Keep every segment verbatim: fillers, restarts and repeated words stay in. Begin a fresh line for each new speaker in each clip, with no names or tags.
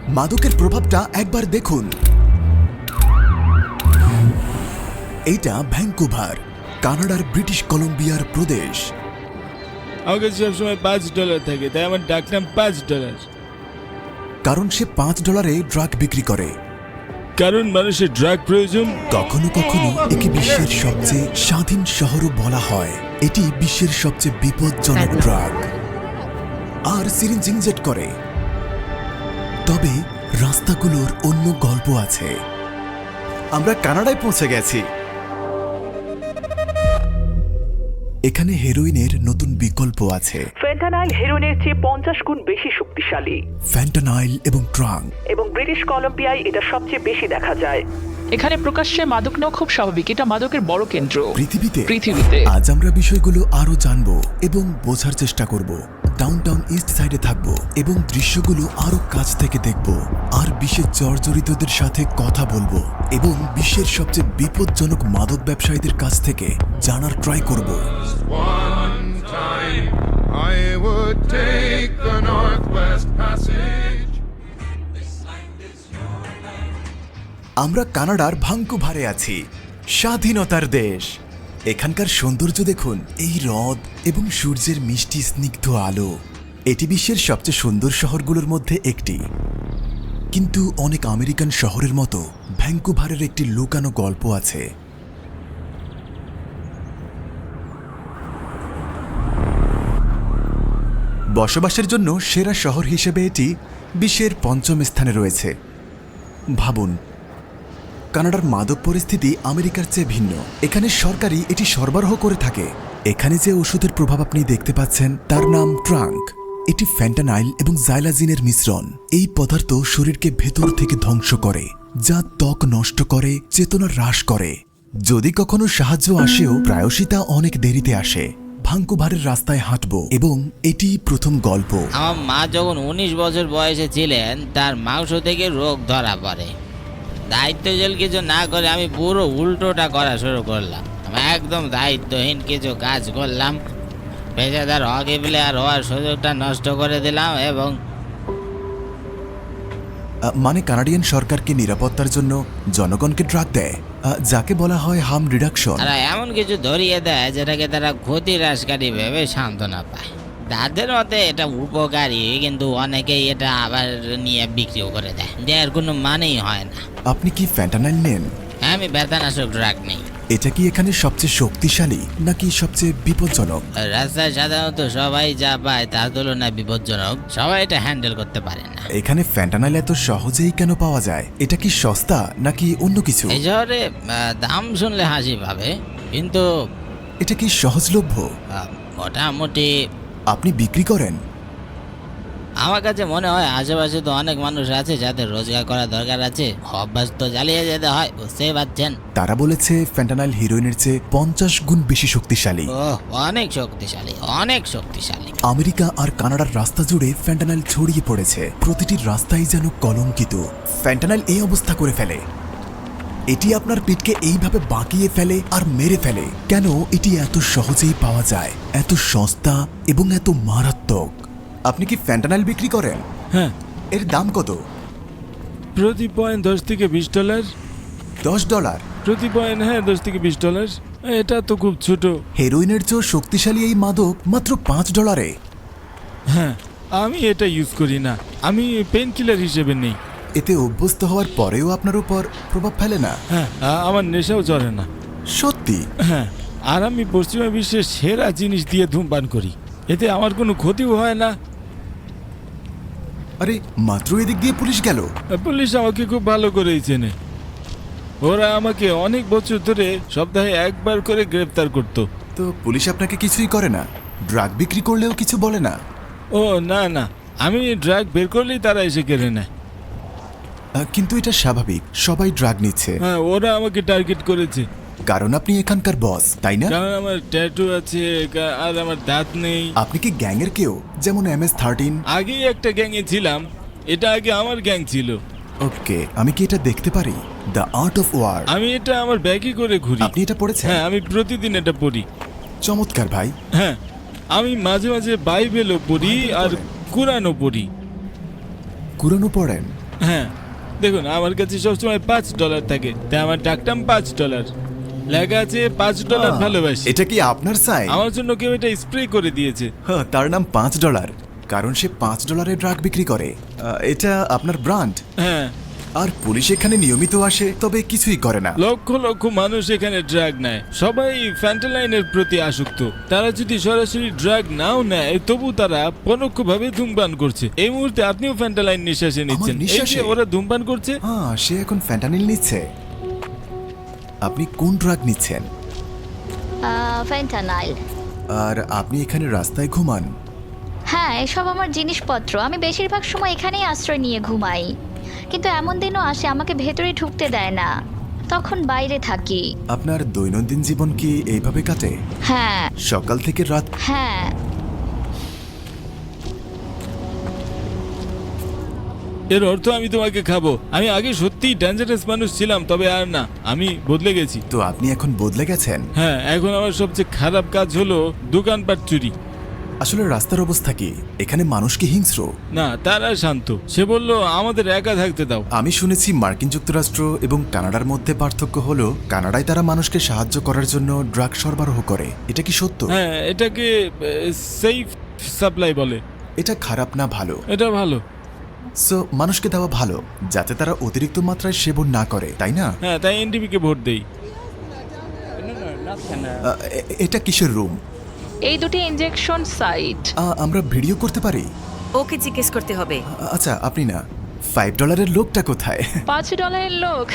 মাদকের প্রভাবটা একবার দেখুন। এইটা ভ্যাঙ্কুভার, কানাডার ব্রিটিশ কলম্বিয়ার প্রদেশ।
আমার কাছে সবসময় পাঁচ ডলার থাকে, তাই আমার ডাকনাম পাঁচ ডলার।
কারণ সে পাঁচ ডলারে ড্রাগ বিক্রি করে।
কারণ মানুষের ড্রাগ প্রয়োজন।
কখনো কখনো একে বিশ্বের সবচেয়ে স্বাধীন শহরও বলা হয়। এটি বিশ্বের সবচেয়ে বিপজ্জনক ড্রাগ আর সিরিঞ্জ ইনজেক্ট করে। তবে রাস্তাগুলোর অন্য গল্প আছে। আমরা কানাডায় পৌঁছে গেছি। এখানে হেরোইনের নতুন বিকল্প আছে।
ফেন্টানাইল হেরোইনের চেয়ে পঞ্চাশ গুণ বেশি শক্তিশালী।
ফ্যান্টানাইল এবং ট্রাঙ্ক
এবং ব্রিটিশ কলম্বিয়ায় এটা সবচেয়ে বেশি দেখা যায়।
এখানে প্রকাশ্যে মাদক নেওয়া খুব স্বাভাবিক। এটা মাদকের বড় কেন্দ্র
পৃথিবীতে।
পৃথিবীতে
আজ আমরা বিষয়গুলো আরো জানবো এবং বোঝার চেষ্টা করব। ডাউনটাউন ইস্ট সাইডে থাকবো এবং দৃশ্যগুলো আরো কাছ থেকে দেখব আর বিশ্বের জর্জরিতদের সাথে কথা বলবো এবং বিশ্বের সবচেয়ে বিপজ্জনক মাদক ব্যবসায়ীদের কাছ থেকে জানার ট্রাই করব।
One time I would take the Northwest Passage.
আমরা কানাডার ভ্যাঙ্কুভারে আছি, স্বাধীনতার দেশ। এখানকার সৌন্দর্য দেখুন, এই হ্রদ এবং সূর্যের মিষ্টি স্নিগ্ধ আলো। এটি বিশ্বের সবচেয়ে সুন্দর শহরগুলোর মধ্যে একটি। কিন্তু অনেক আমেরিকান শহরের মতো ভ্যাঙ্কুভারের একটি লুকানো গল্প আছে। বসবাসের জন্য সেরা শহর হিসেবে এটি বিশ্বের পঞ্চম স্থানে রয়েছে। ভাবুন, কানাডার মাদক পরিস্থিতি আমেরিকার চেয়ে ভিন্ন। এখানে সরকারই এটি সরবরাহ করে থাকে। এখানে যে ওষুধের প্রভাব আপনি দেখতে পাচ্ছেন তার নাম ট্রাঙ্ক। এটি ফ্যান্টানাইল এবং জাইলাজিনের মিশ্রণ। এই পদার্থ শরীরকে ভেতর থেকে ধ্বংস করে, যা ত্বক নষ্ট করে, চেতনা হ্রাস করে। যদি কখনো সাহায্য আসেও প্রায়শই তা অনেক দেরিতে আসে। ভ্যাঙ্কুভারের রাস্তায় হাঁটবো এবং এটি প্রথম গল্প।
আমার মা যখন উনিশ বছর বয়সে ছিলেন, তার মাংস থেকে রোগ ধরা পড়ে। দায়িত্বশীল কিছু না করে আমি পুরো উল্টোটা করা শুরু করলাম। আমি একদম দায়িত্বহীন কিছু কাজ করলাম, পেশাদার হকি প্লেয়ার হওয়ার সুযোগটা নষ্ট করে দিলাম। এবং
মানে কানাডিয়ান সরকারকে নিরাপত্তার জন্য জনগণকে ড্রাগ দেয়, যাকে বলা হয় হার্ম রিডাকশন।
তারা এমন কিছু ধরিয়ে দেয় যেটাকে তারা ক্ষতি হ্রাসকারী ভেবে সান্ত্বনা পায়। তাদের মতে এটা উপকারী, কিন্তু অনেকেই এটা আবার নিয়ে বিক্রিও করে দেয়, যার কোনো মানেই হয় না।
আপনি কি ফ্যান্টানাইল নেন?
আমি ব্যথানাশক ড্রাগ নেই।
এটা কি এখানে সবচেয়ে শক্তিশালী নাকি সবচেয়ে বিপজ্জনক?
রাস্তায় সাধারণত সবাই যা পায় তার তুলনায় বিপজ্জনক। সবাই এটা হ্যান্ডেল করতে পারে না।
এখানে ফ্যান্টানাইল এত সহজেই কেন পাওয়া যায়? এটা কি সস্তা নাকি অন্য কিছু?
এই শহরে আহ, দাম শুনলে হাসি পাবে, কিন্তু
এটা কি সহজলভ্য?
আহ, মোটামুটি
আপনি বিক্রি করেন?
আমার কাছে মনে হয় আশেপাশে তো অনেক মানুষ আছে যাদের রোজগার করা দরকার আছে, অভ্যাস তো চালিয়ে যেতে হয়, বুঝতেই পারছেন।
তারা বলেছে ফ্যান্টানাইল হিরোইনের চেয়ে পঞ্চাশ গুণ বেশি শক্তিশালী।
ও অনেক শক্তিশালী, অনেক শক্তিশালী।
আমেরিকা আর কানাডার রাস্তা জুড়ে ফ্যান্টানাইল ছড়িয়ে পড়েছে। প্রতিটি রাস্তাই যেন কলঙ্কিত। ফ্যান্টানাইল এই অবস্থা করে ফেলে। এটি আপনার পিঠকে এইভাবে বাঁকিয়ে ফেলে আর মেরে ফেলে। কেন এটি এত সহজেই পাওয়া যায়, এত সস্তা এবং এত মারাত্মক? আপনি কি ফ্যান্টানাইল বিক্রি করেন?
হ্যাঁ।
এর দাম কত?
প্রতি পয়েন্ট দশ থেকে বিশ ডলার।
দশ ডলার
প্রতি পয়েন্ট, হ্যাঁ, দশ থেকে বিশ ডলার। এটা তো খুব ছোট।
হেরোইনের চেয়ে শক্তিশালী এই মাদক মাত্র পাঁচ ডলারে।
হ্যাঁ, আমি এটা ইউজ করি না, আমি পেন কিলার হিসেবে নেই।
এতে অভ্যস্ত হওয়ার পরেও আপনার উপর প্রভাব ফেলে না?
হ্যাঁ, আ- আমার নেশাও চড়ে না।
সত্যি?
হ্যাঁ, আর আমি পশ্চিমা বিশ্বের সেরা জিনিস দিয়ে ধূমপান করি। এতে আমার কোনো ক্ষতিও হয় না।
আরে মাত্র এদিক দিয়ে পুলিশ গেল।
পুলিশ আমাকে খুব ভালো করেই চেনে। ওরা আমাকে অনেক বছর ধরে সপ্তাহে একবার করে গ্রেফতার করতো।
তো পুলিশ আপনাকে কিছুই করে না? ড্রাগ বিক্রি করলেও কিছু বলে না?
ও না না, আমি ড্রাগ বের করলেই তারা এসে কেড়ে নেয়।
আহ, কিন্তু এটা স্বাভাবিক, সবাই ড্রাগ নিচ্ছে।
হ্যাঁ, ওরা আমাকে টার্গেট করেছে
কারণ আপনি এখানকার বস, তাই না?
কারণ আমার ট্যাটু আছে কা- আর আমার দাঁত নেই।
আপনি কি গ্যাংয়ের কেউ, যেমন এম এস থার্টিন?
আগেই একটা গ্যাংয়ে ছিলাম, এটা আগে আমার গ্যাং ছিল।
ওকে, আমি কি এটা দেখতে পারি? The art of war.
আমি এটা আমার ব্যাগে করে ঘুরি।
আপনি এটা পড়েছেন?
হ্যাঁ, আমি প্রতিদিন এটা পড়ি।
চমৎকার ভাই।
হ্যাঁ, আমি মাঝে মাঝে বাইবেলও পড়ি আর কোরআনও পড়ি।
কুরআনও পড়েন?
হ্যাঁ দেখুন, আমার কাছে সবসময় পাঁচ ডলার থাকে, তাই আমার ডাকটাম পাঁচ ডলার। লেখা আছে পাঁচ ডলার
আহ,
ভালোবাসি।
এটা কি আপনার সাইন?
আমার জন্য কেউ এটা স্প্রে করে দিয়েছে।
হ্যাঁ, তার নাম পাঁচ ডলার, কারণ সে পাঁচ ডলারে ড্রাগ বিক্রি করে। আহ, এটা আপনার ব্র্যান্ড।
হ্যাঁ,
আর পুলিশ এখানে নিয়মিত আসে, তবে কিছুই করে না।
লক্ষ লক্ষ মানুষ এখানে ড্রাগ নেয়, সবাই ফ্যান্টালাইনের প্রতি আসক্ত। তারা যদি সরাসরি ড্রাগ নাও নেয়, তবু তারা পরোক্ষভাবে ধূমপান করছে। এই মুহূর্তে আপনিও ফ্যান্টালাইন নিঃশ্বাসে নিচ্ছেন, এই
নিঃশ্বাসে?
যে ওরা ধূমপান করছে।
হ্যাঁ, সে এখন ফ্যান্টানিল নিচ্ছে। আপনি কোন ড্রাগ নিচ্ছেন?
ফেন্টানাইল।
আর আপনি এখানে রাস্তায় ঘুমান?
হ্যাঁ, এসব আমার জিনিসপত্র। আমি বেশিরভাগ সময় এখানেই আশ্রয় নিয়ে ঘুমাই, কিন্তু এমন দিনও আসে আমাকে ভেতরে ঢুকতে দেয় না, তখন বাইরে থাকি।
আপনার দৈনন্দিন জীবন কি এইভাবে কাটে?
হ্যাঁ
সকাল থেকে রাত?
হ্যাঁ।
এর অর্থ আমি তোমাকে খাবো। আমি আগে সত্যিই ডেঞ্জারাস মানুষ ছিলাম, তবে আর না, আমি বদলে গেছি।
তো আপনি এখন বদলে গেছেন?
হ্যাঁ, এখন আমার সবচেয়ে খারাপ কাজ হলো দোকানপাট চুরি।
আসলে রাস্তার অবস্থা কি? এখানে মানুষ কি হিংস্র?
না, তারা শান্ত। সে বলল আমাদের একা থাকতে দাও।
আমি শুনেছি মার্কিন যুক্তরাষ্ট্র এবং কানাডার মধ্যে পার্থক্য হলো কানাডায় তারা মানুষকে সাহায্য করার জন্য ড্রাগ সরবরাহ করে। এটা কি সত্য?
হ্যাঁ, এটাকে সেফ সাপ্লাই বলে।
এটা খারাপ না ভালো?
এটা ভালো।
সো মানুষকে দেওয়া ভালো, যাতে তারা অতিরিক্ত মাত্রায় সেবন না করে, তাই না?
হ্যাঁ, তাই এনডিপি কে ভোট দেই।
আহ, এ- এটা কিসের রুম?
এই দুটি ইনজেকশন সাইট।
আমরা ভিডিও করতে পারি?
ওকে জিজ্ঞেস করতে হবে।
আ- আচ্ছা, আপনি না, ফাইভ ডলারের লোকটা কোথায়?
পাঁচ ডলারের লোক।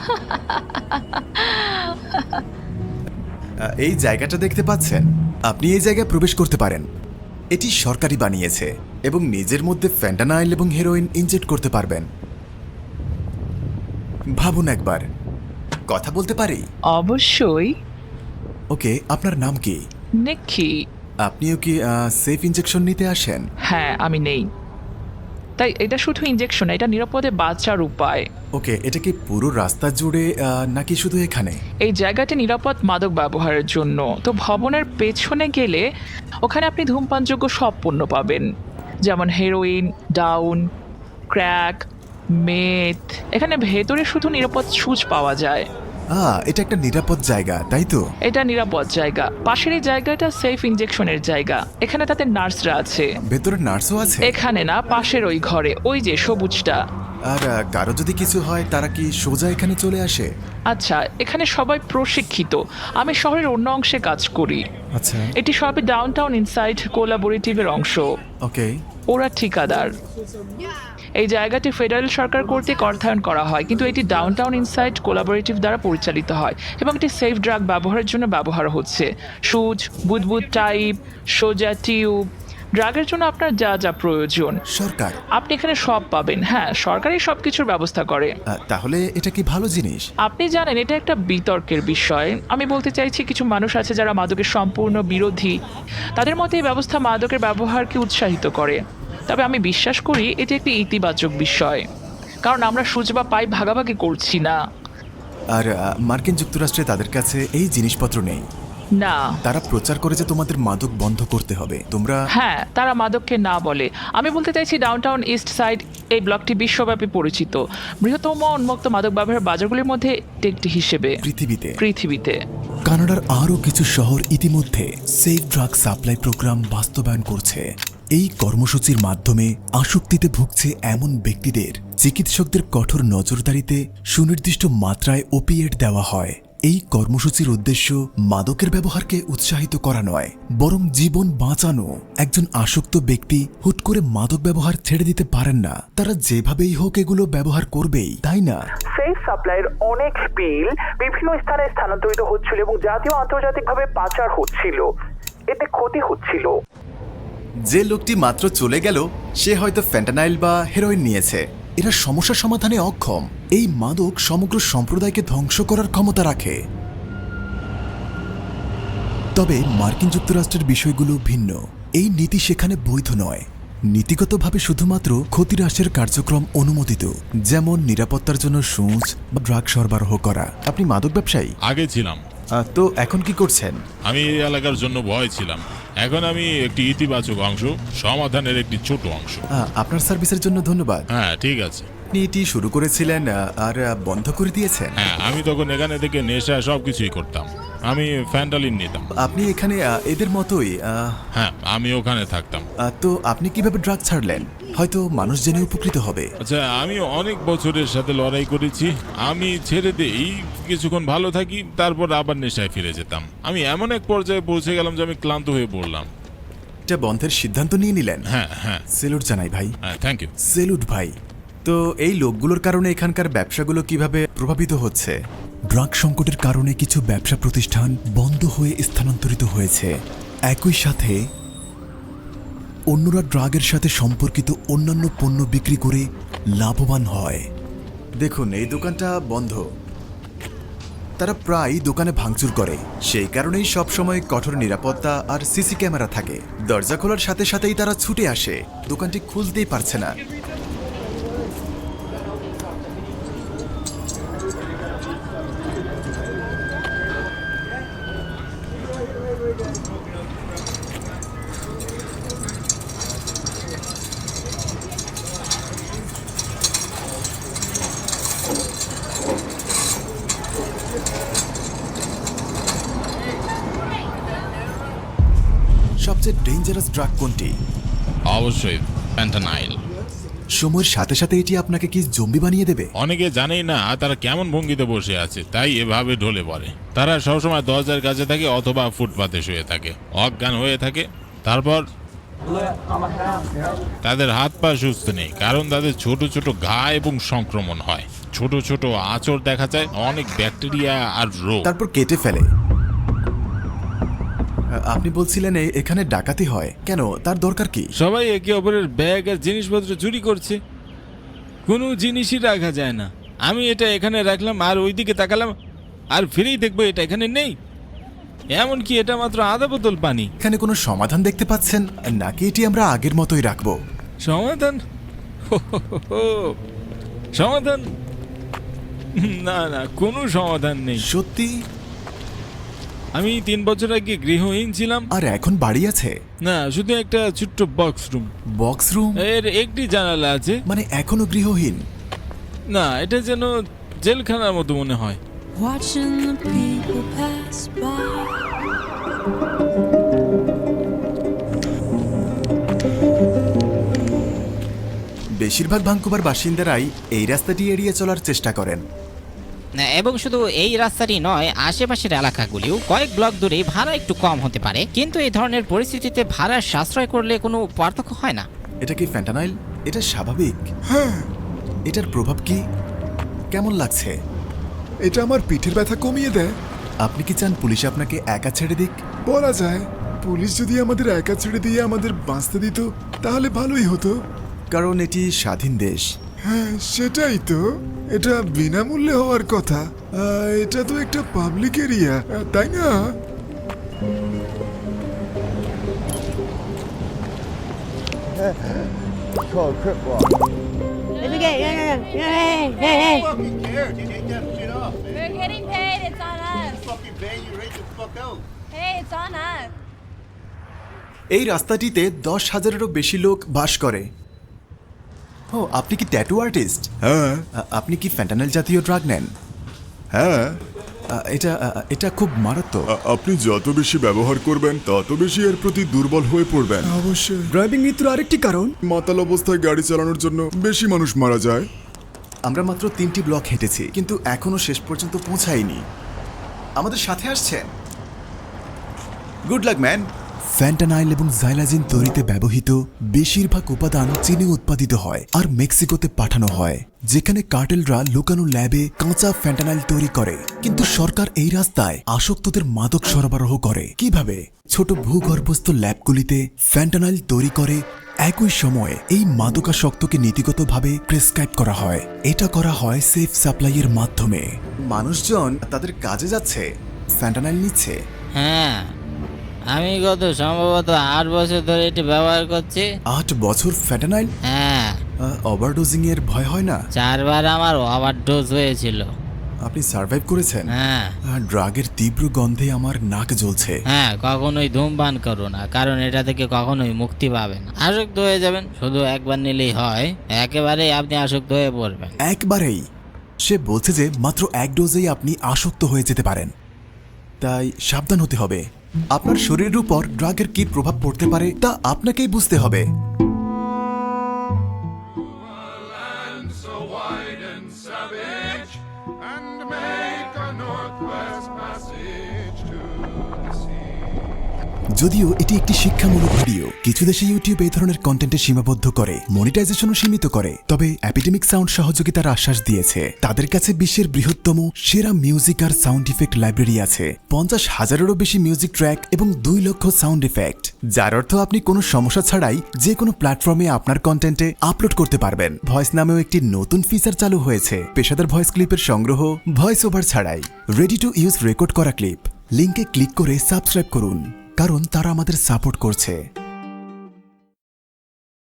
আহ, এই জায়গাটা দেখতে পাচ্ছেন? আপনি এই জায়গায় প্রবেশ করতে পারেন। এটি সরকারি বানিয়েছে এবং নিজের মধ্যে ফ্যান্টানাইল এবং হেরোইন ইনজেক্ট করতে পারবেন। ভাবুন একবার। কথা বলতে পারি?
অবশ্যই।
ওকে, আপনার নাম কি?
নিকি।
আপনিও কি সেফ ইনজেকশন নিতে আসেন?
হ্যাঁ, আমি নেই। তাই এটা শুধু ইনজেকশন, এটা নিরাপদে বাঁচার উপায়।
ওকে, এটা কি পুরো রাস্তা জুড়ে আহ, নাকি শুধু এখানে?
এই জায়গাটি নিরাপদ মাদক ব্যবহারের জন্য। তো ভবনের পেছনে গেলে ওখানে আপনি ধূমপানযোগ্য সব পণ্য পাবেন, যেমন হেরোইন, ডাউন, ক্র্যাক, মেথ। এখানে ভেতরে শুধু নিরাপদ সুচ পাওয়া যায়।
আহ, এটা একটা নিরাপদ জায়গা, তাই তো?
এটা নিরাপদ জায়গা। পাশের এই জায়গাটা সেফ ইনজেকশনের জায়গা। এখানে তাদের নার্সরা আছে।
ভেতরে নার্সও আছে?
এখানে না, পাশের ওই ঘরে, ওই যে সবুজটা।
আর আহ, কারো যদি কিছু হয়, তারা কি সোজা এখানে চলে আসে?
আচ্ছা, এখানে সবাই প্রশিক্ষিত। আমি শহরের অন্য অংশে কাজ করি।
আচ্ছা,
এটি সবই ডাউনটাউন ইনসাইড কোলাবোরেটিভের অংশ।
ওকে।
ওরা ঠিকাদার। এই জায়গাটি ফেডারেল সরকার কর্তৃক অর্থায়ন করা হয়, কিন্তু এটি ডাউনটাউন ইনসাইড কোলাবোরেটিভ দ্বারা পরিচালিত হয় এবং এটি সেফ ড্রাগ ব্যবহারের জন্য ব্যবহার হচ্ছে। সুচ, বুদবুদ টাইপ, সোজা টিউব, ড্রাগের জন্য আপনার যা যা প্রয়োজন
সরকার?
আপনি এখানে সব পাবেন। হ্যাঁ, সরকারই সব কিছুর ব্যবস্থা করে।
আহ, তাহলে এটা কি ভালো জিনিস?
আপনি জানেন, এটা একটা বিতর্কের বিষয়। আমি বলতে চাইছি, কিছু মানুষ আছে যারা মাদকের সম্পূর্ণ বিরোধী। তাদের মতে এই ব্যবস্থা মাদকের ব্যবহারকে উৎসাহিত করে। তবে আমি বিশ্বাস করি এটি একটি ইতিবাচক বিষয়, কারণ আমরা সুচ বা পাই ভাগাভাগি করছি না।
আর আহ, মার্কিন যুক্তরাষ্ট্রে তাদের কাছে এই জিনিসপত্র নেই।
না।
তারা প্রচার করে যে তোমাদের মাদক বন্ধ করতে হবে, তোমরা।
হ্যাঁ, তারা মাদককে না বলে। আমি বলতে চাইছি, ডাউনটাউন ইস্ট সাইড এই ব্লকটি বিশ্বব্যাপী পরিচিত বৃহত্তম উন্মুক্ত মাদক ব্যবহারের বাজারগুলির মধ্যে একটি হিসেবে
পৃথিবীতে
পৃথিবীতে
কানাডার আরও কিছু শহর ইতিমধ্যে সেফ ড্রাগ সাপ্লাই প্রোগ্রাম বাস্তবায়ন করছে। এই কর্মসূচির মাধ্যমে আসক্তিতে ভুগছে এমন ব্যক্তিদের চিকিৎসকদের কঠোর নজরদারিতে সুনির্দিষ্ট মাত্রায় ওপিয়েট দেওয়া হয়। এই কর্মসূচির উদ্দেশ্য মাদকের ব্যবহারকে উৎসাহিত করা নয়, বরং জীবন বাঁচানো। একজন আসক্ত ব্যক্তি হুট করে মাদক ব্যবহার ছেড়ে দিতে পারেন না। তারা যেভাবেই হোক এগুলো ব্যবহার করবেই, তাই না?
সেফ সাপ্লাইয়ের অনেক পিল বিভিন্ন স্থানে স্থানান্তরিত হচ্ছিল এবং জাতীয় আন্তর্জাতিকভাবে পাচার হচ্ছিল। এতে ক্ষতি হচ্ছিল।
যে লোকটি মাত্র চলে গেল, সে হয়তো ফ্যান্টানাইল বা হেরোইন নিয়েছে। এরা সমস্যা সমাধানে অক্ষম। এই মাদক সমগ্র সম্প্রদায়কে ধ্বংস করার ক্ষমতা রাখে। তবে মার্কিন যুক্তরাষ্ট্রের বিষয়গুলো ভিন্ন। এই নীতি সেখানে বৈধ নয়। নীতিগতভাবে শুধুমাত্র ক্ষতিহ্রাসের কার্যক্রম অনুমোদিত, যেমন নিরাপত্তার জন্য সূচ বা ড্রাগ সরবরাহ করা। আপনি মাদক ব্যবসায়ী?
আগে ছিলাম।
আহ, তো এখন কি করছেন?
আমি এই এলাকার জন্য ভয় ছিলাম। এখন আমি একটি ইতিবাচক অংশ, সমাধানের একটি ছোট অংশ।
আহ, আপনার সার্ভিসের জন্য ধন্যবাদ।
হ্যাঁ, ঠিক আছে।
আপনি এটি শুরু করেছিলেন আহ, আর আহ, বন্ধ করে দিয়েছেন?
হ্যাঁ, আমি তখন এখানে থেকে নেশা সব কিছুই করতাম। আমি ফ্যান্টালিন নিতাম।
আপনি এখানে আহ, এদের মতোই আহ,
হ্যাঁ, আমি ওখানে থাকতাম।
আহ, তো আপনি কিভাবে ড্রাগ ছাড়লেন? হয়তো মানুষ জেনে উপকৃত হবে।
আচ্ছা, আমি অনেক বছরের সাথে লড়াই করেছি। আমি ছেড়ে দিই, কিছুক্ষণ ভালো থাকি, তারপর আবার নেশায় ফিরে যেতাম। আমি এমন এক পর্যায়ে পৌঁছে গেলাম যে আমি ক্লান্ত হয়ে পড়লাম।
এটা বন্ধের সিদ্ধান্ত নিয়ে নিলেন?
হ্যাঁ হ্যাঁ
সেলুট জানাই ভাই।
হ্যাঁ, থ্যাংক ইউ।
সেলুট ভাই। তো এই লোকগুলোর কারণে এখানকার ব্যবসাগুলো কিভাবে প্রভাবিত হচ্ছে? ড্রাগ সংকটের কারণে কিছু ব্যবসা প্রতিষ্ঠান বন্ধ হয়ে স্থানান্তরিত হয়েছে। একই সাথে অন্যরা ড্রাগের সাথে সম্পর্কিত অন্যান্য পণ্য বিক্রি করে লাভবান হয়। দেখুন, এই দোকানটা বন্ধ। তারা প্রায় দোকানে ভাঙচুর করে, সেই কারণেই সবসময় কঠোর নিরাপত্তা আর সিসি ক্যামেরা থাকে। দরজা খোলার সাথে সাথেই তারা ছুটে আসে, দোকানটি খুলতেই পারছে না। সবচেয়ে ডেঞ্জারাস ড্রাগ কোনটি?
অবশ্যই ফ্যান্টানাইল।
সময়ের সাথে সাথে এটি আপনাকে কি জম্বি বানিয়ে দেবে?
অনেকে জানেই না তারা কেমন ভঙ্গিতে বসে আছে, তাই এভাবে ঢলে পড়ে। তারা সবসময় দরজার কাছে থাকে অথবা ফুটপাতে শুয়ে থাকে, অজ্ঞান হয়ে থাকে। তারপর তাদের হাত পা সুস্থ নেই, কারণ তাদের ছোট ছোট ঘা এবং সংক্রমণ হয়। ছোট ছোট আঁচড় দেখা যায়, অনেক ব্যাকটেরিয়া আর রোগ।
তারপর কেটে ফেলে। আপনি বলছিলেন এ- এখানে ডাকাতি হয় কেন? তার দরকার কি?
সবাই একে অপরের ব্যাগ আর জিনিসপত্র চুরি করছে, কোনো জিনিসই রাখা যায় না। আমি এটা এখানে রাখলাম আর ওইদিকে তাকালাম আর ফিরেই দেখবো এটা এখানে নেই। এমনকি এটা মাত্র আধা বোতল পানি।
এখানে কোনো সমাধান দেখতে পাচ্ছেন নাকি এটি আমরা আগের মতোই রাখবো?
সমাধান? হো, হো, হো, হো। সমাধান? না না, কোনো সমাধান নেই।
সত্যি?
আমি তিন বছর আগে গৃহহীন ছিলাম।
আর এখন বাড়ি আছে?
না, শুধু একটা ছোট্ট বক্স রুম।
Box room?
এর একটি জানালা আছে।
মানে এখনো গৃহহীন?
না, এটা যেন জেলখানার মতো মনে হয়।
Watching the people pass by.
বেশিরভাগ ভাঙ্কুভার বাসিন্দারাই এই রাস্তাটি এড়িয়ে চলার চেষ্টা করেন।
না, এবং শুধু এই রাস্তাটি নয়, আশেপাশের এলাকাগুলিও কয়েক ব্লক দূরে ভাড়া একটু কম হতে পারে, কিন্তু এই ধরনের পরিস্থিতিতে ভাড়া সাশ্রয় করলে কোনো পার্থক্য হয় না।
এটা কি ফ্যান্টানাইল? এটা স্বাভাবিক? হ্যাঁ। এটার প্রভাব কি? কেমন লাগছে?
এটা আমার পিঠের ব্যথা কমিয়ে দেয়।
আপনি কি চান পুলিশ আপনাকে একা ছেড়ে দিক?
বলা যায়, পুলিশ যদি আমাদের একা ছেড়ে দিয়ে আমাদের বাঁচতে দিত তাহলে ভালোই হতো।
কারণ এটি স্বাধীন দেশ।
হ্যাঁ, সেটাই তো। এটা বিনামূল্যে হওয়ার কথা। আহ, এটা তো একটা পাবলিক এরিয়া, তাই না?
We're getting paid. It's on us. Hey, it's on us.
এই রাস্তাটিতে দশ হাজারেরও বেশি লোক বাস করে। ও, আপনি কি ট্যাটু আর্টিস্ট?
হ্যাঁ
আপনি কি ফ্যান্টানাইল জাতীয় ড্রাগ নেন?
হ্যাঁ।
আ, এটা আ, এটা খুব মারাত্মক।
আ- আপনি যত বেশি ব্যবহার করবেন তত বেশি এর প্রতি দুর্বল হয়ে পড়বেন। অবশ্যই। ড্রাইভিং মৃত্যুর আরেকটি কারণ, মাতাল অবস্থায় গাড়ি চালানোর জন্য বেশি মানুষ মারা যায়।
আমরা মাত্র তিনটি ব্লক হেঁটেছি, কিন্তু এখনো শেষ পর্যন্ত পৌঁছাইনি। আমাদের সাথে আসছেন? Good luck man. ফ্যান্টানাইল এবং জাইলাজিন তৈরিতে ব্যবহৃত বেশিরভাগ উপাদান চীনে উৎপাদিত হয় আর মেক্সিকোতে পাঠানো হয়, যেখানে কার্টেলরা লুকানো ল্যাবে কাঁচা ফ্যান্টানাইল তৈরি করে। কিন্তু সরকার এই রাস্তায় আসক্তদের মাদক সরবরাহ করে। কিভাবে? ছোট ভূগর্ভস্থ ল্যাবগুলিতে ফ্যান্টানাইল তৈরি করে, একই সময়ে এই মাদকাসক্তকে নীতিগতভাবে প্রেসক্রাইব করা হয়। এটা করা হয় সেফ সাপ্লাইয়ের মাধ্যমে। মানুষজন তাদের কাজে যাচ্ছে, ফ্যান্টানাইল নিচ্ছে।
হ্যাঁ, আমি গত সম্ভবত আট বছর ধরে এটি ব্যবহার করছি।
আট বছর ফ্যান্টানাইল?
হ্যাঁ,
ওভারডোজিং এর ভয় হয় না?
চারবার আমার ওভারডোজ হয়েছিল।
আপনি সার্ভাইভ করেছেন?
হ্যাঁ
ড্রাগের তীব্র গন্ধে আমার নাক জ্বলছে।
হ্যাঁ কখনোই ধূমপান করো না, কারণ এটা থেকে কখনোই মুক্তি পাবেন না। আসক্ত হয়ে যাবেন, শুধু একবার নিলেই হয়, একেবারেই আপনি আসক্ত হয়ে পড়বেন।
একবারেই? সে বলছে যে মাত্র এক ডোজেই আপনি আসক্ত হয়ে যেতে পারেন, তাই সাবধান হতে হবে। আপনার শরীরের উপর ড্রাগের কি প্রভাব পড়তে পারে তা আপনাকেই বুঝতে হবে।
Land so wide and savage, and make a northwest passage to the sea.
যদিও এটি একটি শিক্ষামূলক ভিডিও, কিছু দেশে ইউটিউব এই ধরনের কন্টেন্টে সীমাবদ্ধ করে, মনিটাইজেশনও সীমিত করে, তবে অ্যাপিডেমিক সাউন্ড সহযোগিতার আশ্বাস দিয়েছে। তাদের কাছে বিশ্বের বৃহত্তম সেরা মিউজিক আর সাউন্ড ইফেক্ট লাইব্রেরি আছে, পঞ্চাশ হাজারেরও বেশি মিউজিক ট্র্যাক এবং দুই লক্ষ সাউন্ড ইফেক্ট, যার অর্থ আপনি কোনো সমস্যা ছাড়াই যে কোনো প্ল্যাটফর্মে আপনার কন্টেন্টে আপলোড করতে পারবেন। ভয়েস নামেও একটি নতুন ফিচার চালু হয়েছে, পেশাদার ভয়েস ক্লিপের সংগ্রহ, ভয়েস ওভার ছাড়াই, রেডি টু ইউজ রেকর্ড করা ক্লিপ। লিঙ্কে ক্লিক করে সাবস্ক্রাইব করুন, কারণ তারা আমাদের সাপোর্ট করছে।